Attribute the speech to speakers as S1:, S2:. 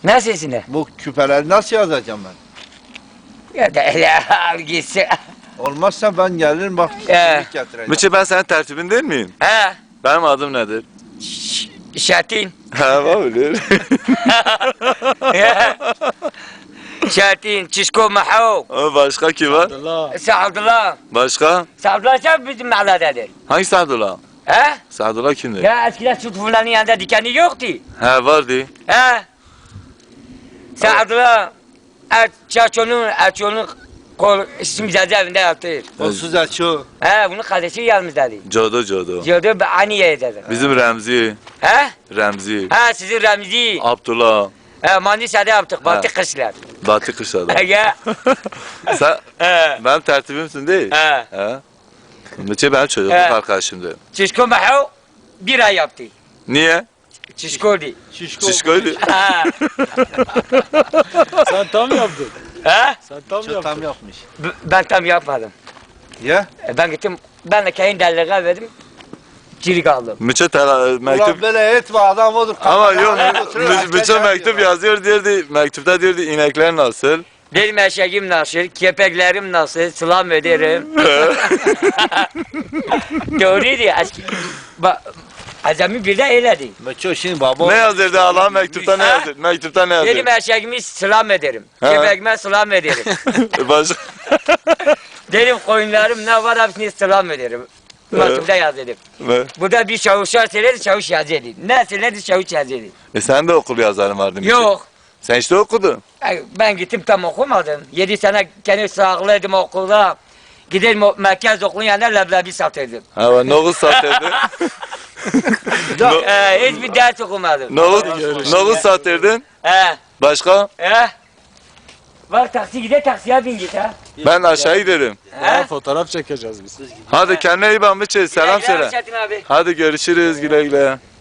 S1: Ne sesine?
S2: Bu küpeleri nasıl yazacağım ben?
S1: Ya da hele al gitsin.
S2: Olmazsa ben gelirim bak kimlik getireceğim.
S3: Mıçı ben senin tertibin değil miyim?
S1: He?
S3: Benim adım nedir?
S1: Şatin.
S3: Ha bilir.
S1: Şatin, Çişko Maho.
S3: Başka kim var?
S1: Sa'dullah.
S3: Başka?
S1: Sa'dullah sen bizim mahallededir.
S3: Hangi Sadullah?
S1: He?
S3: Sadullah kimdir?
S1: Ya eskiden süt fulanın yanında dikeni yoktu.
S3: He vardı.
S1: He? Sa'dullah. Erço'nun kol isim cezaevinde yatır.
S2: Kolsuz açıyor.
S1: He, bunun kardeşi yanımızdadır.
S3: Codo.
S1: Diyordu ben Aniye'ye dedim.
S3: Bizim Remzi.
S1: He?
S3: Remzi.
S1: Ha sizin Remzi.
S3: Abdullah.
S1: He, Manisa'da yaptık. Batı kışlar.
S3: Batı Kışla'da.
S1: Ya.
S3: Sen
S1: He.
S3: benim tertibimsin değil.
S1: He.
S3: He. Mıçı benim çocukluk
S1: He.
S3: arkadaşımdı.
S1: Çişko Maho bir ay yaptı.
S3: Niye?
S1: Çişko değil.
S3: Şişkoydu.
S1: Ha.
S4: Sen tam yaptın.
S1: He?
S4: Sen tam
S2: Çok
S4: yaptın.
S2: tam yapmış.
S1: Ben tam yapmadım.
S2: Ya?
S1: Ben gittim. Ben de kendi delliğe verdim. Geri kaldım.
S3: Mıçı
S2: Ulan
S3: mektup
S2: böyle etme adam odur.
S3: ama yok
S2: Götürüyor,
S3: Mıçı
S2: herkes
S3: mektup
S2: yazıyor.
S3: yazıyor diyordu. Mektupta diyordu inekler nasıl?
S1: Benim eşeğim nasıl, kepeklerim nasıl, selam ederim. Doğruydu. Azami bir de öyledi.
S2: Meço şimdi baba.
S3: Ne yazırdı Allah mektupta ne
S1: Ha?
S3: yazır? Mektupta ne yazır?
S1: Benim eşeğime selam ederim.
S3: Ha.
S1: Kepeğime selam ederim.
S3: Başka
S1: Dedim koyunlarım ne var hepsini selam ederim. Mektupta yaz dedim.
S3: ne?
S1: Bu da bir çavuşlar söyledi, çavuş yazıyordu. Ne söyledi, çavuş yazıyordu.
S3: Sen de okul yazarın vardı Mıçı.
S1: Yok.
S3: Sen işte okudun.
S1: Ben gittim tam okumadım. 7 sene kendi sağlıydım okulda. Gidelim merkez okulun yanında leblebi satırdım.
S3: Ha nohut satırdın.
S1: Hiçbir ders okumadım.
S3: Nohut satırdın.
S1: He.
S3: Başka?
S1: He. Bak taksi gider taksiye bin git ha.
S3: Ben aşağı giderim.
S4: Ya,
S1: He.
S4: fotoğraf çekeceğiz biz.
S3: Hadi kendine iyi bak Mıçı. Selam söyle.
S1: Şahin abi.
S3: Hadi görüşürüz güle güle.